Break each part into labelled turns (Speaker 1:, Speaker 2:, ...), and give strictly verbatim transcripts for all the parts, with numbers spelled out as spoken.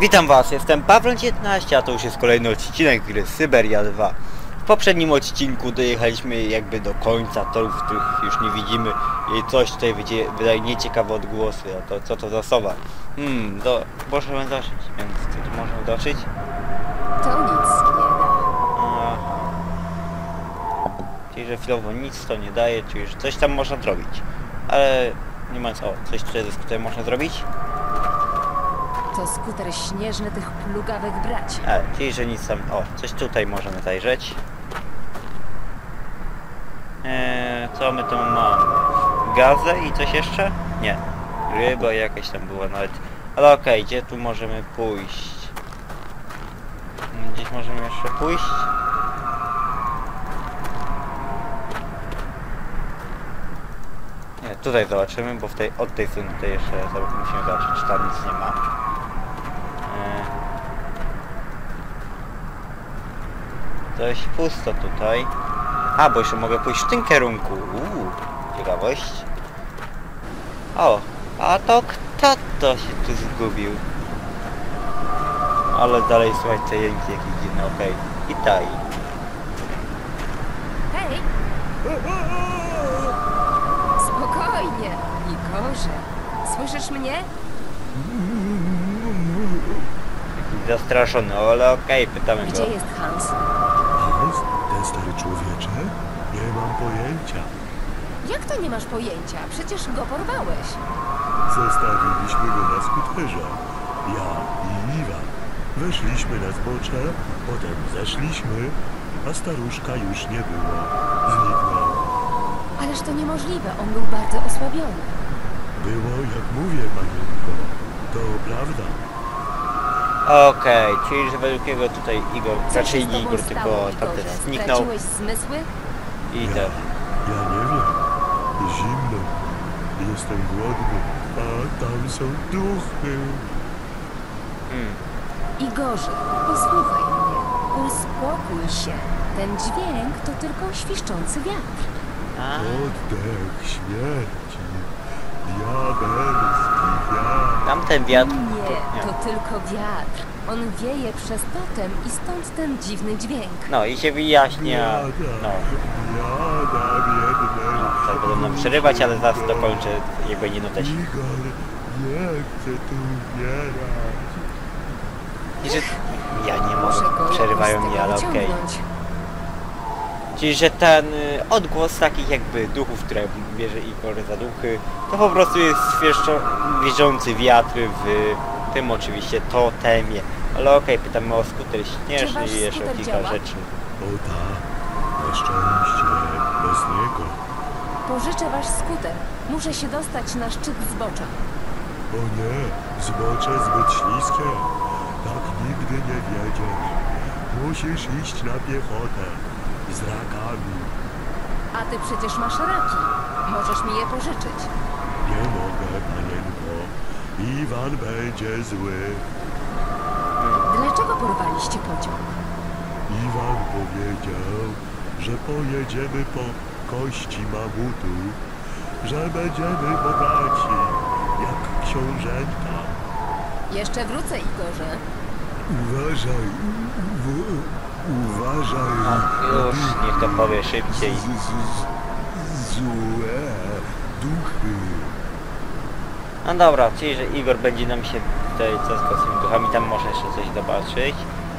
Speaker 1: Witam was, jestem Pawron jedenaście, a to już jest kolejny odcinek gry Syberia dwa. W poprzednim odcinku dojechaliśmy jakby do końca torów, których już nie widzimy i coś tutaj wydaje nieciekawe odgłosy, a to co to za sowa? Hmm, do, możemy dotrzeć, więc co tu możemy dotrzeć?
Speaker 2: To nic nie da.
Speaker 1: Aha. Czyli, że chwilowo nic to nie daje, czyli, że coś tam można zrobić. Ale nie ma co, coś tutaj, tutaj można zrobić?
Speaker 2: To skuter śnieżny tych plugawych braci.
Speaker 1: A, czyli, że nic tam... O, coś tutaj możemy zajrzeć. Eee, co my tu mamy? Gazę i coś jeszcze? Nie. Ryba jakaś tam była nawet. Ale okej, okay, gdzie tu możemy pójść? Gdzieś możemy jeszcze pójść? Nie, tutaj zobaczymy, bo w tej, od tej strony tutaj jeszcze musimy zobaczyć, czy tam nic nie ma. Dość pusto tutaj. A, bo jeszcze mogę pójść w tym kierunku. Uuu, ciekawość. O, a to kto to się tu zgubił? Ale dalej słuchajcie, te jęki jakieś dziwne, okej. Okay. Witaj.
Speaker 2: Hej! Spokojnie, Igorze. Słyszysz mnie?
Speaker 1: Zastraszony, ale okej, okay, pytamy
Speaker 2: Gdzie
Speaker 1: go.
Speaker 2: jest Hans?
Speaker 3: Hans? Ten stary człowiecze? Nie mam pojęcia.
Speaker 2: Jak to nie masz pojęcia? Przecież go porwałeś.
Speaker 3: Zostawiliśmy go na skuterze. Ja i Iwan. Weszliśmy na zbocze, potem zeszliśmy, a staruszka już nie było. Zniknął.
Speaker 2: Ależ to niemożliwe, on był bardzo osłabiony.
Speaker 3: Było jak mówię, panienko. To prawda.
Speaker 1: Okej, okay, czyli że według niego tutaj Igor,
Speaker 2: Co
Speaker 1: raczej
Speaker 2: się z
Speaker 1: nie
Speaker 2: tobą
Speaker 1: Igor,
Speaker 2: stało,
Speaker 1: tylko
Speaker 2: Igorze?
Speaker 1: tamten zniknął
Speaker 2: Straciłeś zmysły?
Speaker 1: i
Speaker 3: Ja,
Speaker 1: te.
Speaker 3: ja nie wiem. Zimno. Jestem głodny, a tam są duchy.
Speaker 1: Hmm.
Speaker 2: Igorze, posłuchaj mnie. Uspokój się. Ten dźwięk to tylko świszczący wiatr.
Speaker 1: A,
Speaker 3: Oddech śmierci. Diabelski wiatr.
Speaker 1: tamten wiatr...
Speaker 2: Nie, to tylko wiatr. On wieje przez totem i stąd ten dziwny dźwięk.
Speaker 1: No i się wyjaśnia, no.
Speaker 3: Biada biednej.
Speaker 1: No, tak będą nam przerywać, ale zaraz dokończę, jak będzie nutę.
Speaker 3: Igor, nie chcę tu umierać.
Speaker 1: I że... Ja nie
Speaker 2: Muszę
Speaker 1: mogę,
Speaker 2: go
Speaker 1: przerywają
Speaker 2: jakoś z
Speaker 1: mnie,
Speaker 2: tego
Speaker 1: ale okej. Okay.
Speaker 2: wyciągnąć.
Speaker 1: Czyli, że ten y, odgłos takich jakby duchów, które bierze Igor za duchy, to po prostu jest świeżo wierzący wiatr w tym oczywiście totemie. Ale okej, okay, pytamy o skuter śnieżny
Speaker 2: wasz
Speaker 1: i jeszcze
Speaker 2: skuter
Speaker 1: kilka
Speaker 2: działa?
Speaker 1: rzeczy.
Speaker 3: O tak, na szczęście, bez niego.
Speaker 2: Pożyczę wasz skuter. Muszę się dostać na szczyt zbocza.
Speaker 3: O nie, zbocze zbyt śliskie. Tak nigdy nie wiedziesz. Musisz iść na piechotę. Z rakami.
Speaker 2: A ty przecież masz raki. Możesz mi je pożyczyć.
Speaker 3: Nie mogę, panienko. Iwan będzie zły.
Speaker 2: Dlaczego porwaliście pociąg?
Speaker 3: Iwan powiedział, że pojedziemy po kości mamutu, że będziemy bogaci, jak książęta.
Speaker 2: Jeszcze wrócę, Igorze.
Speaker 3: Uważaj, u- uważaj.
Speaker 1: No, już niech to powie szybciej.
Speaker 3: Z, z, z, złe duchy.
Speaker 1: No dobra, czyli że Igor będzie nam się tutaj co z tymi duchami, tam może jeszcze coś zobaczyć.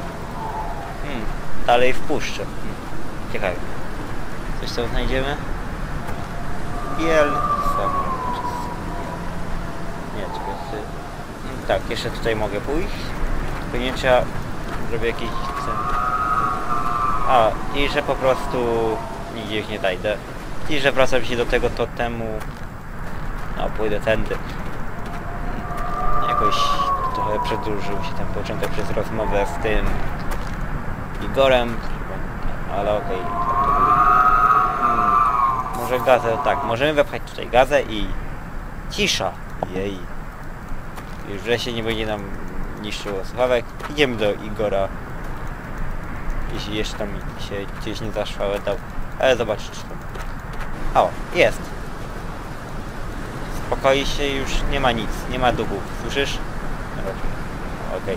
Speaker 1: Hmm, dalej wpuszczę. Hmm, ciekawe. Coś tam znajdziemy? Biel... Nie, czekaj. Hmm, tak, jeszcze tutaj mogę pójść. Tylko nie trzeba... Zrobię jakiś... A, i że po prostu... Nigdzie już nie dajdę. I że wracam się do tego totemu... No, pójdę tędy. Jakoś trochę przedłużył się ten początek przez rozmowę z tym Igorem, ale okej. Okay. Hmm, może gazę, tak, możemy wepchać tutaj gazę i cisza. Jej. Już wreszcie nie będzie nam niszczyło słuchawek. Idziemy do Igora. Jeśli jeszcze tam się gdzieś nie zaszwałetał. Ale zobaczyć czy tam... O, jest. Spokoi się, już nie ma nic, nie ma duchów, słyszysz? Okej, okej.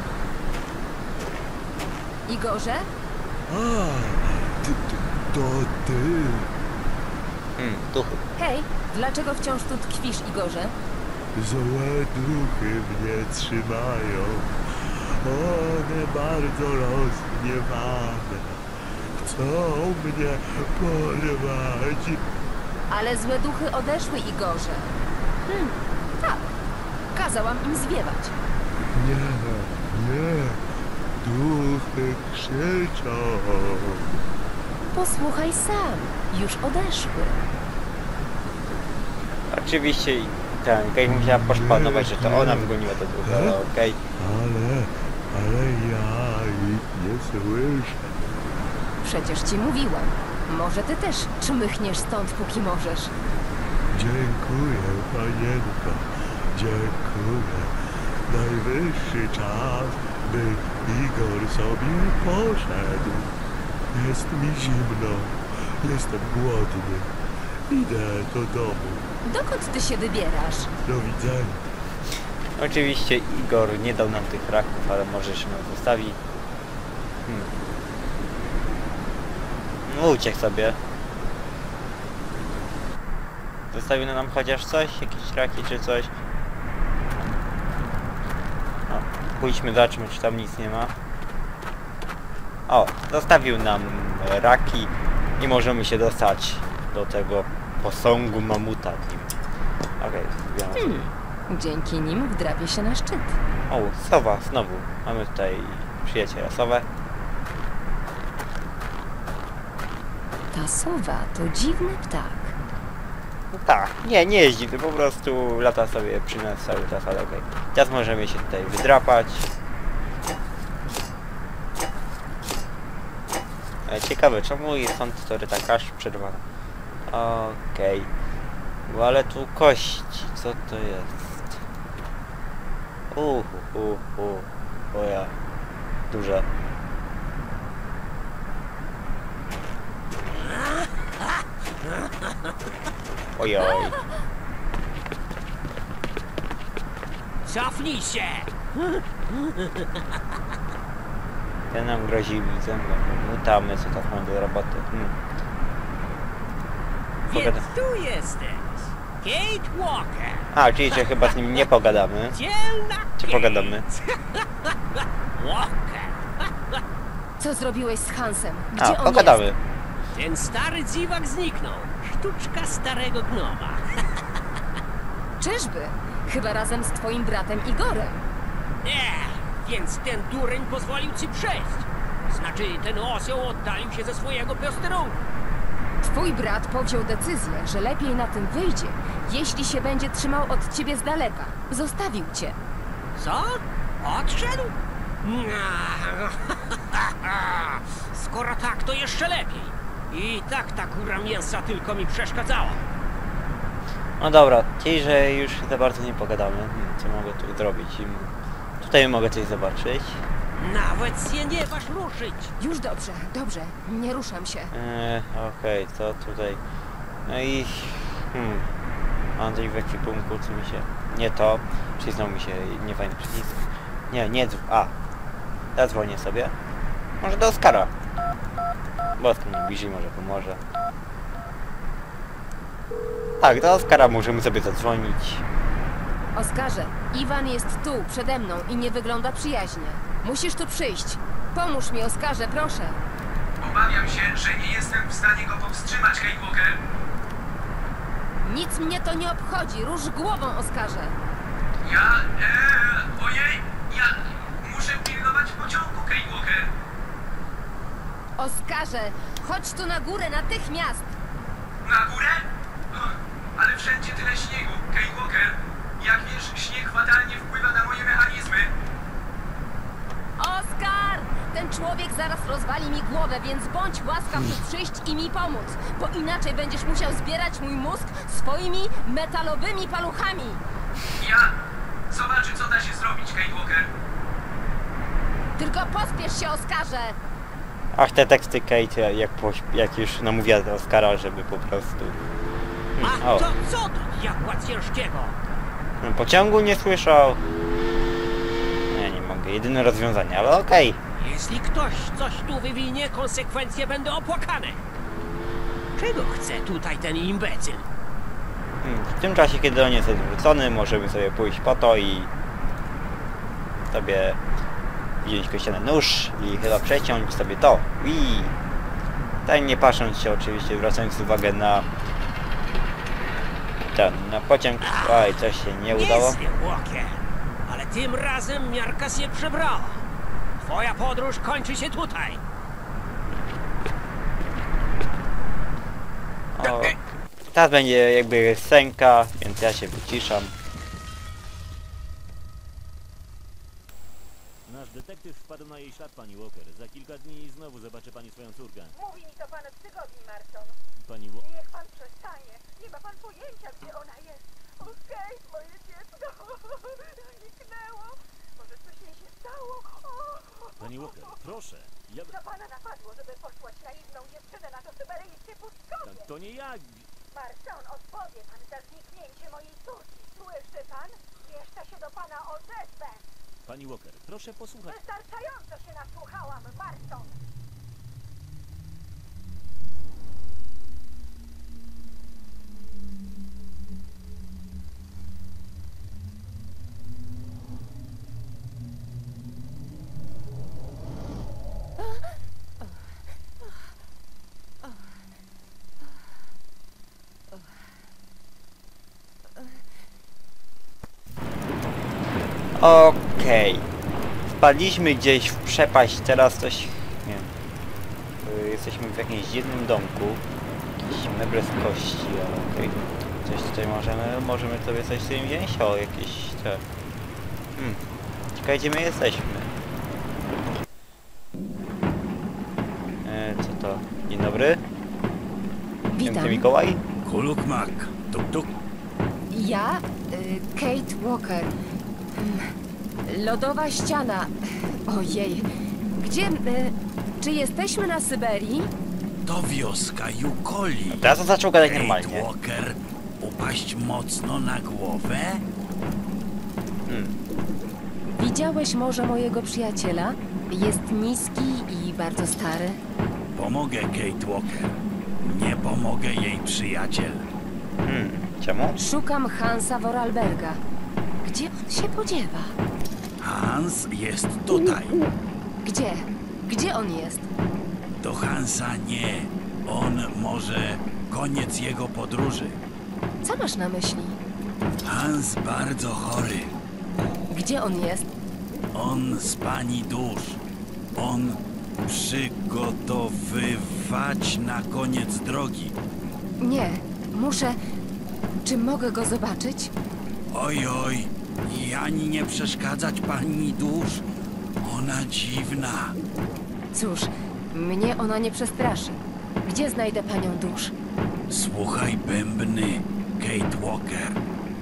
Speaker 2: Igorze?
Speaker 3: A, ty, ty, to ty.
Speaker 1: Hmm, duchy.
Speaker 2: Hej, dlaczego wciąż tu tkwisz, Igorze?
Speaker 3: Złe duchy mnie trzymają. One bardzo rozgniewane. Chcą mnie porwać.
Speaker 2: Ale złe duchy odeszły, Igorze. Hmm, tak. Kazałam im zwiewać.
Speaker 3: Nie, nie. Duchy krzyczą.
Speaker 2: Posłuchaj sam, już odeszły.
Speaker 1: Oczywiście i ten, Kate musiała poszpanować, że to ona wygoniła te duchy, ale okej.
Speaker 3: Ale, ale ja ich nie słyszę.
Speaker 2: Przecież ci mówiłam. Może ty też czmychniesz stąd, póki możesz.
Speaker 3: Dziękuję, panienko. Dziękuję. Najwyższy czas, by Igor sobie poszedł. Jest mi zimno. Jestem głodny. Idę do domu.
Speaker 2: Dokąd ty się wybierasz?
Speaker 3: Do widzenia.
Speaker 1: Oczywiście Igor nie dał nam tych raków, ale może się nam zostawi. Hmm. No uciekł sobie. Zostawił nam chociaż coś? Jakieś raki czy coś? No, pójdźmy, zobaczmy, czy tam nic nie ma. O, zostawił nam raki i możemy się dostać do tego posągu mamuta nim. Okej, okay,
Speaker 2: Hmm. Dzięki nim wdrapie się na szczyt.
Speaker 1: O, sowa, znowu. Mamy tutaj przyjaciela sowę.
Speaker 2: Ta sowa to dziwny ptak.
Speaker 1: No tak, nie, nie jeździ, to po prostu lata sobie przy nas cały czas, ale okej. Teraz możemy się tutaj wydrapać. E, ciekawe, czemu stąd tory tak aż przerwana? Okej. Okay. Ale tu kości, co to jest? Uhu, uhu, o ja. Duże. Ojoj.
Speaker 4: Cofnij się!
Speaker 1: Ten nam grozi widzem, mutamy, co tak mamy do roboty. Hmm.
Speaker 4: Więc
Speaker 1: Pogada...
Speaker 4: tu jesteś! Kate Walker!
Speaker 1: A, czyli że chyba z nim nie pogadamy.
Speaker 4: Dzielna
Speaker 1: Czy
Speaker 4: Kate.
Speaker 1: pogadamy?
Speaker 4: Walker!
Speaker 2: Co zrobiłeś z Hansem? Gdzie
Speaker 1: A,
Speaker 2: on
Speaker 1: pogadamy.
Speaker 2: jest?
Speaker 4: Ten stary dziwak zniknął. Sztuczka starego gnoma.
Speaker 2: Czyżby? Chyba razem z twoim bratem Igorem.
Speaker 4: Nie, więc ten dureń pozwolił ci przejść. Znaczy, ten osioł oddalił się ze swojego posterunku.
Speaker 2: Twój brat powziął decyzję, że lepiej na tym wyjdzie, jeśli się będzie trzymał od ciebie z daleka. Zostawił cię.
Speaker 4: Co? Odszedł? Skoro tak, to jeszcze lepiej. I tak ta kura mięsa tylko mi przeszkadzała.
Speaker 1: No dobra, czyli że już za bardzo nie pogadamy. Hmm, co mogę tu zrobić? Hmm. Tutaj mogę coś zobaczyć.
Speaker 4: Nawet się nie waż ruszyć.
Speaker 2: Już dobrze, dobrze. Nie ruszam się.
Speaker 1: Eee, okej, okay, to tutaj. No i... Hmm. Mam coś w ekwipunku, co mi się... Nie to. Przyznał mi się niefajny przycisk. Nie, nie dzw... A. Zadzwonię sobie. Może do Oskara. Bo Oskar mnie bliżej, może pomoże. Tak, do Oskara możemy sobie zadzwonić.
Speaker 2: Oskarze, Iwan jest tu, przede mną i nie wygląda przyjaźnie. Musisz tu przyjść. Pomóż mi, Oskarze, proszę.
Speaker 5: Obawiam się, że nie jestem w stanie go powstrzymać, Kate Walker.
Speaker 2: Nic mnie to nie obchodzi. Rusz głową, Oskarze.
Speaker 5: Ja... Ee, ojej, ja muszę pilnować pociągu, Kate Walker.
Speaker 2: Oskarze, chodź tu na górę natychmiast.
Speaker 5: Na górę? O, ale wszędzie tyle śniegu, Kate Walker. Jak wiesz, śnieg fatalnie wpływa na moje mechanizmy.
Speaker 2: Oskar! Ten człowiek zaraz rozwali mi głowę, więc bądź łaskaw tu przyjść i mi pomóc, bo inaczej będziesz musiał zbierać mój mózg swoimi metalowymi paluchami.
Speaker 5: Ja... Zobaczy, co da się zrobić, Kate Walker.
Speaker 2: Tylko pospiesz się, Oskarze!
Speaker 1: Ach, te teksty Kate, jak, poś- jak już namówiła do Oskara, żeby po prostu... Hmm,
Speaker 4: A
Speaker 1: o,
Speaker 4: to co to diabła ciężkiego?
Speaker 1: pociągu nie słyszał. Nie, nie mogę mówię, jedyne rozwiązanie, ale okej.
Speaker 4: Jeśli ktoś coś tu wywinie, konsekwencje będą opłakane. Czego chce tutaj ten imbecyl?
Speaker 1: Hmm, w tym czasie, kiedy on jest odwrócony, możemy sobie pójść po to i sobie wziąć kościany nóż i chyba przeciąć sobie to. I tak nie patrząc się oczywiście, zwracając uwagę na ten, na pociąg. Oj, coś się nie udało.
Speaker 4: Nieźle, Walker, ale tym razem miarka się przebrała. Twoja podróż kończy się tutaj.
Speaker 1: O, teraz będzie jakby scenka, więc ja się wyciszam.
Speaker 6: Nasz detektyw wpadł na jej ślad, pani Walker. Za kilka dni znowu zobaczy pani swoją córkę.
Speaker 7: Mówi mi to pan od tygodni, Marston.
Speaker 6: Pani Wa-
Speaker 7: Niech pan przestanie. Nie ma pan pojęcia, gdzie ona jest. Okej, moje dziecko. Zniknęło. Może coś jej się stało. O,
Speaker 6: Pani Walker, proszę. Ja...
Speaker 7: co pana napadło, żeby posłać naiwną dziewczynę na to syberyjskie pustkowie?
Speaker 6: To nie ja.
Speaker 7: Marston, odpowie pan za zniknięcie mojej córki. Słyszy pan? Jeszcze się do pana odezwę.
Speaker 6: Pani Walker, proszę posłuchać.
Speaker 7: Wystarczająco się nasłuchałam, Marston.
Speaker 1: Okej. Wpadliśmy gdzieś w przepaść, teraz coś... nie wiem. Y, Jesteśmy w jakimś dziwnym domku. Jakieś meble z kości, ale okej. Coś tutaj możemy... możemy sobie coś z tym wziąć? O, jakieś te... Hmm. Ciekawe, gdzie my jesteśmy. E, co to? Dzień dobry.
Speaker 2: Witam.
Speaker 1: Święty Mikołaj?
Speaker 3: Kuluk mak. Tuk tuk.
Speaker 2: Ja, y, Kate Walker. Mm, Lodowa ściana. Ojej. Gdzie... Y, czy jesteśmy na Syberii?
Speaker 8: To wioska Yukoli.
Speaker 1: Teraz on zaczął gadać
Speaker 8: Kate
Speaker 1: normalnie.
Speaker 8: Walker, upaść mocno na głowę?
Speaker 1: Hmm.
Speaker 2: Widziałeś może mojego przyjaciela? Jest niski i bardzo stary.
Speaker 8: Pomogę Kate Walker. Nie pomogę jej przyjaciel.
Speaker 1: Hmm. Czemu?
Speaker 2: Szukam Hansa Vorarlberga. Gdzie on się podziewa?
Speaker 8: Hans jest tutaj.
Speaker 2: Gdzie? Gdzie on jest?
Speaker 8: Do Hansa nie. On może koniec jego podróży.
Speaker 2: Co masz na myśli?
Speaker 8: Hans bardzo chory.
Speaker 2: Gdzie on jest?
Speaker 8: On z pani dusz. On przygotowywać na koniec drogi.
Speaker 2: Nie, muszę... Czy mogę go zobaczyć?
Speaker 8: Oj, oj, i ani nie przeszkadzać pani dusz. Ona dziwna.
Speaker 2: Cóż, mnie ona nie przestraszy. Gdzie znajdę panią dusz?
Speaker 8: Słuchaj bębny, Kate Walker.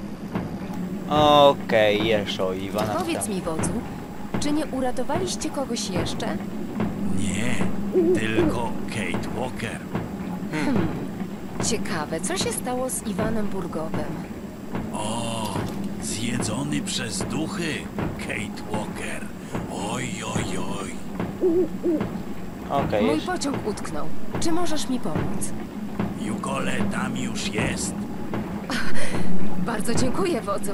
Speaker 1: Okej, jeszcze o Iwana.
Speaker 2: Powiedz mi, wodzu, czy nie uratowaliście kogoś jeszcze?
Speaker 8: Nie, tylko Kate Walker.
Speaker 2: Ciekawe, co się stało z Iwanem Burgowym?
Speaker 8: O, zjedzony przez duchy, Kate Walker. Oj, oj, oj.
Speaker 1: Okej,
Speaker 2: Mój
Speaker 1: jeszcze.
Speaker 2: pociąg utknął. Czy możesz mi pomóc?
Speaker 8: Jukole tam już jest.
Speaker 2: Bardzo dziękuję, wodzu.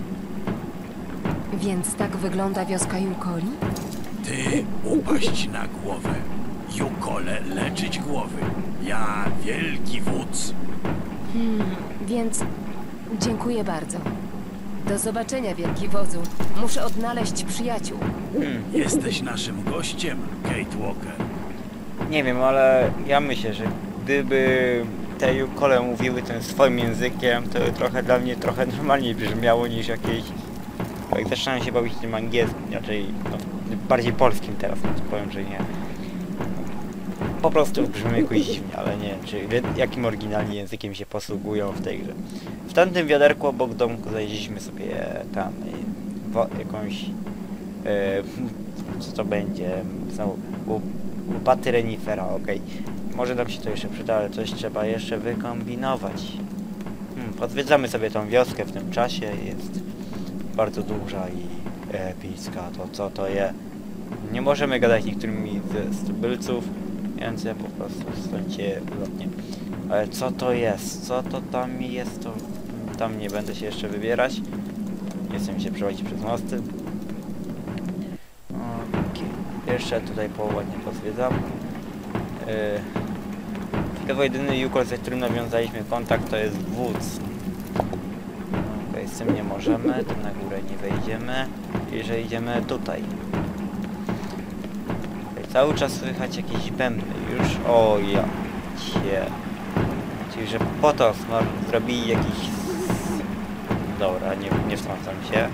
Speaker 2: Więc tak wygląda wioska Yukoli?
Speaker 8: Ty upaść na głowę. Jukole leczyć głowy. Ja wielki wódz.
Speaker 2: Więc dziękuję bardzo. Do zobaczenia, wielki wodzu. Muszę odnaleźć przyjaciół.
Speaker 8: Jesteś naszym gościem, Kate Walker.
Speaker 1: Nie wiem, ale ja myślę, że gdyby te Yukole mówiły tym swoim językiem, to trochę dla mnie trochę normalniej brzmiało niż jakieś... Jak zaczynałem się bawić tym angielskim, raczej no, bardziej polskim teraz, no to powiem, że nie. Po prostu brzmi jakoś dziwnie, ale nie wiem, czy jakim oryginalnie językiem się posługują w tej grze. W tamtym wiaderku obok domku znaleźliśmy sobie tam y, wo, jakąś... Y, co to będzie? Znowu, łopaty renifera, okej. Może nam się to jeszcze przyda, ale coś trzeba jeszcze wykombinować. Hmm, odwiedzamy sobie tą wioskę w tym czasie, jest bardzo duża i epicka, to co to jest? Nie możemy gadać niektórymi ze tubylców, więc ja po prostu stońcie lotnie. Ale co to jest? Co to tam jest? To tam nie będę się jeszcze wybierać. Nie chcę mi się przechodzić przez mosty. Okay. Jeszcze tutaj po ładnie pozwiedzam. Yy. To jedyny Yukol, ze którym nawiązaliśmy kontakt, to jest wódz. Okay, z tym nie możemy, tym na górę nie wejdziemy. Jeżeli idziemy tutaj. Okay, cały czas słychać jakieś bębny już. O ja cię. Czyli, że po to zrobili jakiś... Dobra, nie, nie wtrącam się.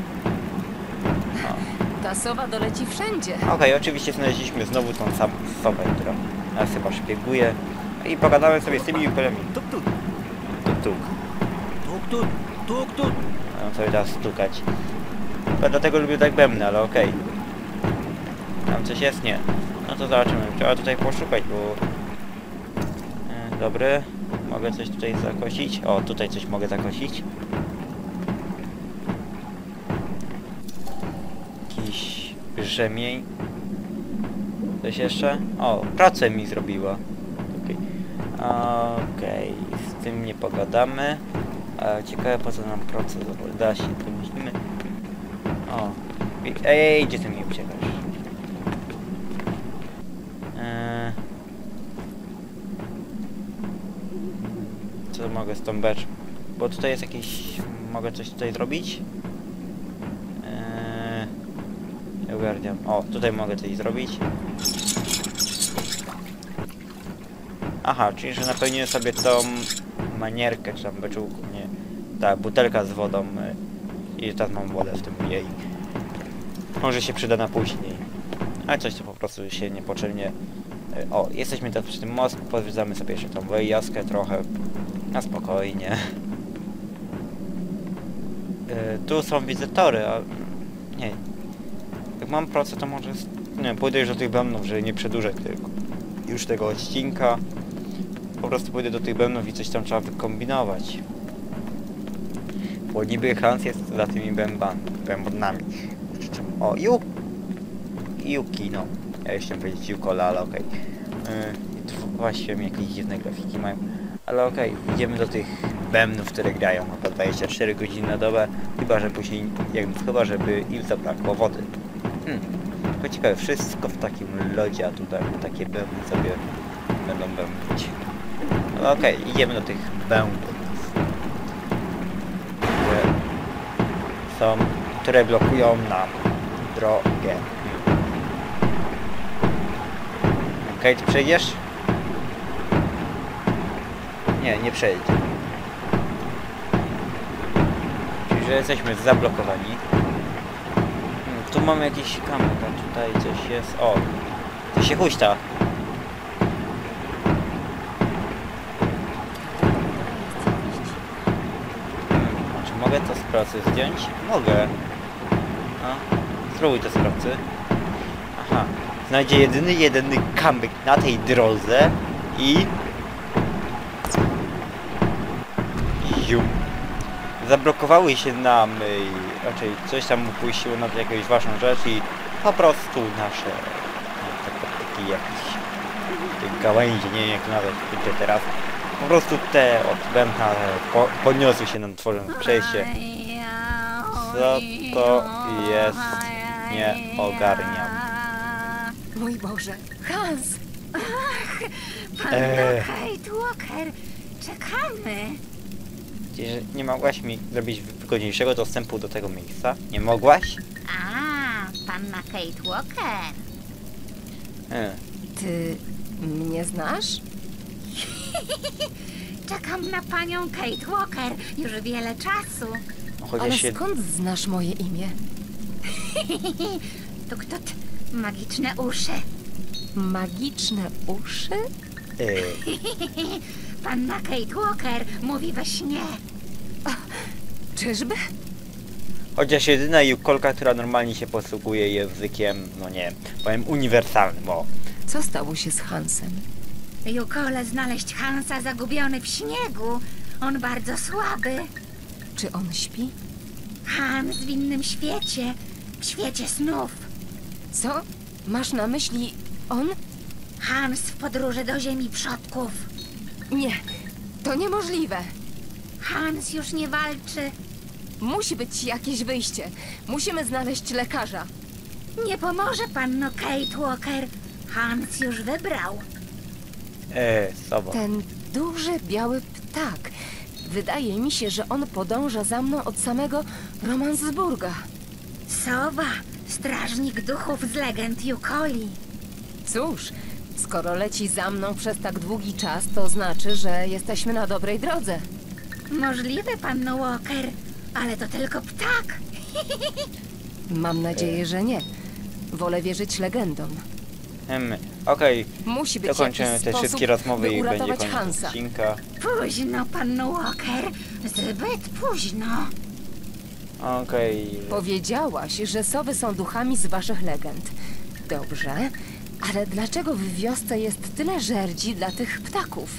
Speaker 1: O.
Speaker 2: Ta sowa doleci wszędzie.
Speaker 1: Okej, okay, oczywiście znaleźliśmy znowu tą samą sobę, która nas chyba szpieguje. I pogadałem sobie z tymi Yukolami. Tuk tuk. Tuk tuk.
Speaker 8: Tuk, tuk, tuk, tuk.
Speaker 1: Mam sobie teraz stukać. Chyba dlatego lubię tak bębny, ale okej. Okay. Tam coś jest? Nie. No to zobaczymy. Trzeba tutaj poszukać, bo... E, dobry. Mogę coś tutaj zakosić? O, tutaj coś mogę zakosić. Jakiś rzemień. Coś jeszcze? O, pracę mi zrobiła. Okej. Okay. Okej, okay. Z tym nie pogadamy. A ciekawe, po co nam proces da się, to myślimy. O. Ej, gdzie ty mi uciekasz? Eee... Co mogę z tą beczką? Bo tutaj jest jakiś... Mogę coś tutaj zrobić? Eee... Nie ogarniam. O, tutaj mogę coś zrobić. Aha, czyli że napełniłem sobie tą manierkę, czy tam beczułką, nie. Ta butelka z wodą i teraz mam wodę w tym jej. Może się przyda na później. Ale coś to po prostu się niepotrzebnie... O, jesteśmy teraz przy tym mostku, pozwiedzamy sobie jeszcze tą wyjazkę trochę. Na spokojnie. Yy, tu są wizytory, a... Nie. Jak mam pracę, to może... Nie, pójdę już do tych bębnów, żeby nie przedłużać tego, już tego odcinka. Po prostu pójdę do tych bębnów i coś tam trzeba wykombinować. Bo niby Hans jest za tymi bębami, bębnami. O, Yu... Yuki, no. Ja już chciałem powiedzieć Yukola, ale okej. Okay. Yy, właściwie jakieś dziwne grafiki mają. Ale okej, okay, idziemy do tych bębnów, które grają po dwadzieścia cztery godziny na dobę. Chyba, że później... Jak, chyba, żeby im zabrakło wody. Hmm. To ciekawe, wszystko w takim lodzie, a tutaj takie bębny sobie będą bębnić. No okej, okay, idziemy do tych bębnów. Które są, które blokują nam drogę. Okej, okay, ty przejdziesz? Nie, nie przejdzie. Czyli, że jesteśmy zablokowani. Hmm, tu mamy jakiś kamek, a tutaj coś jest. O! To się huśta. Hmm, czy mogę to z pracy zdjąć? Mogę. No, spróbuj to z pracy. Aha. Znajdzie jedyny, jedyny kamyk na tej drodze i... Jum. Zablokowały się nam, i raczej coś tam upuściło na jakąś ważną rzecz i po prostu nasze no, takie jakieś te gałęzie, nie wiem jak to nazwać teraz, po prostu te od bębna po, podniosły się nam, tworząc przejście. Co to jest? Nie ogarniam.
Speaker 2: Mój Boże, Hans!
Speaker 7: Ach, panna
Speaker 1: Eee.
Speaker 7: Kate Walker, czekamy.
Speaker 1: Że nie mogłaś mi zrobić wygodniejszego dostępu do tego miejsca? Nie mogłaś?
Speaker 7: A, panna Kate Walker.
Speaker 1: E.
Speaker 2: Ty mnie znasz?
Speaker 7: Czekam na panią Kate Walker już wiele czasu.
Speaker 1: Chociaż
Speaker 2: Ale
Speaker 1: się...
Speaker 2: skąd znasz moje imię?
Speaker 7: Tuk tut, magiczne uszy.
Speaker 2: Magiczne uszy?
Speaker 1: E.
Speaker 7: Panna Kate Walker mówi we śnie.
Speaker 2: Czyżby?
Speaker 1: Chociaż jedyna Yukolka, która normalnie się posługuje językiem, no nie, powiem uniwersalnym, o.
Speaker 2: Co stało się z Hansem?
Speaker 7: Yukole znaleźć Hansa zagubiony w śniegu. On bardzo słaby.
Speaker 2: Czy on śpi?
Speaker 7: Hans w innym świecie.
Speaker 9: w świecie snów.
Speaker 2: Co? Masz na myśli on?
Speaker 9: Hans w podróży do ziemi przodków.
Speaker 2: Nie, to niemożliwe.
Speaker 9: Hans już nie walczy.
Speaker 2: Musi być jakieś wyjście. Musimy znaleźć lekarza.
Speaker 9: Nie pomoże panno Kate Walker. Hans już wybrał.
Speaker 1: Eee, sobo.
Speaker 2: Ten duży, biały ptak. Wydaje mi się, że on podąża za mną od samego Romansburga.
Speaker 9: Sowa, strażnik duchów z legend Yukoli.
Speaker 2: Cóż, skoro leci za mną przez tak długi czas, to znaczy, że jesteśmy na dobrej drodze.
Speaker 9: Możliwe, panno Walker, ale to tylko ptak.
Speaker 2: Mam nadzieję, że nie. Wolę wierzyć legendom.
Speaker 1: Hmm, okej,
Speaker 2: Musi być
Speaker 1: dokończymy
Speaker 2: jakiś
Speaker 1: te
Speaker 2: sposób,
Speaker 1: wszystkie rozmowy
Speaker 2: by
Speaker 1: i będzie
Speaker 2: uratować
Speaker 1: koniec
Speaker 2: Hansa.
Speaker 1: odcinka.
Speaker 9: Późno, panno Walker. Zbyt późno.
Speaker 1: Okej.
Speaker 2: Powiedziałaś, że sowy są duchami z waszych legend. Dobrze, ale dlaczego w wiosce jest tyle żerdzi dla tych ptaków?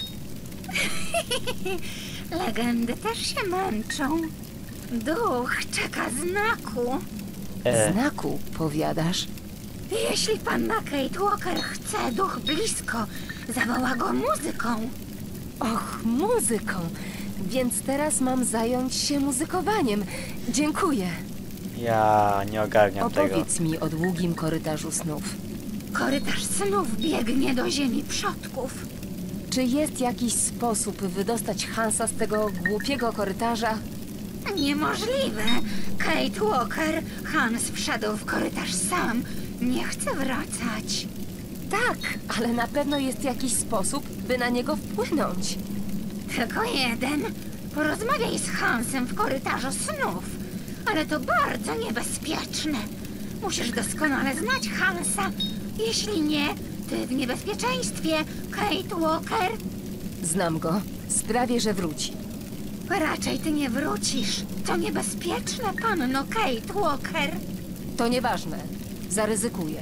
Speaker 9: Legendy też się męczą. Duch czeka znaku.
Speaker 1: E,
Speaker 2: Znaku, powiadasz?
Speaker 9: Jeśli panna Kate Walker chce duch blisko, zawoła go muzyką.
Speaker 2: Och, muzyką. Więc teraz mam zająć się muzykowaniem. Dziękuję.
Speaker 1: ja nie ogarniam tego.
Speaker 2: Opowiedz mi o długim korytarzu snów.
Speaker 9: Korytarz snów biegnie do ziemi przodków.
Speaker 2: Czy jest jakiś sposób wydostać Hansa z tego głupiego korytarza?
Speaker 9: Niemożliwe. Kate Walker, Hans wszedł w korytarz sam. Nie chce wracać.
Speaker 2: Tak, ale na pewno jest jakiś sposób, by na niego wpłynąć.
Speaker 9: Tylko jeden. Porozmawiaj z Hansem w korytarzu snów. Ale to bardzo niebezpieczne. Musisz doskonale znać Hansa. Jeśli nie, ty w niebezpieczeństwie, Kate Walker.
Speaker 2: Znam go. Sprawię, że wróci.
Speaker 9: Raczej ty nie wrócisz. To niebezpieczne, panno Kate Walker.
Speaker 2: To nieważne. Zaryzykuję.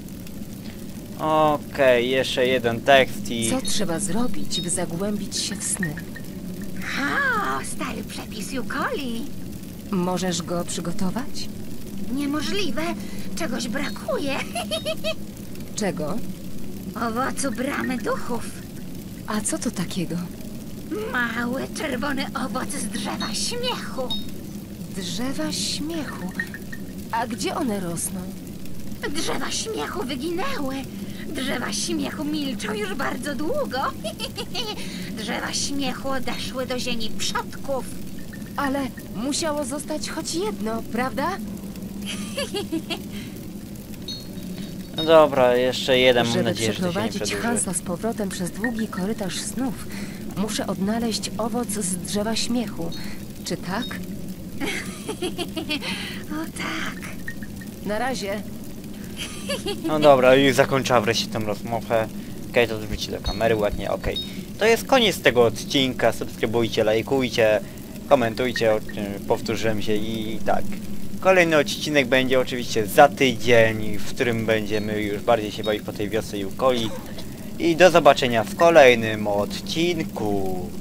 Speaker 1: Okej, jeszcze jeden tekst i...
Speaker 2: Co trzeba zrobić, by zagłębić się w sny?
Speaker 9: Ha, stary przepis Yukoli.
Speaker 2: Możesz go przygotować?
Speaker 9: Niemożliwe. Czegoś brakuje.
Speaker 2: Czego?
Speaker 9: Owocu bramy duchów.
Speaker 2: A co to takiego?
Speaker 9: Mały, czerwony owoc z drzewa śmiechu.
Speaker 2: Drzewa śmiechu. A gdzie one rosną?
Speaker 9: Drzewa śmiechu wyginęły. Drzewa śmiechu milczą już bardzo długo. Drzewa śmiechu odeszły do ziemi przodków.
Speaker 2: Ale musiało zostać choć jedno, prawda?
Speaker 1: No dobra, jeszcze jeden, mam
Speaker 2: Żeby
Speaker 1: nadzieję, że to się nie
Speaker 2: przeprowadzić
Speaker 1: przedłuży.
Speaker 2: Hansa z powrotem przez długi korytarz snów, muszę odnaleźć owoc z drzewa śmiechu. Czy tak?
Speaker 9: O tak.
Speaker 2: Na razie.
Speaker 1: No dobra, już zakończyła wreszcie tę rozmowę. Okej, to wróci do kamery ładnie, okej. To jest koniec tego odcinka, subskrybujcie, lajkujcie, komentujcie, o czym powtórzyłem się i tak. Kolejny odcinek będzie oczywiście za tydzień, w którym będziemy już bardziej się bawić po tej wiosce Yukoli. I do zobaczenia w kolejnym odcinku.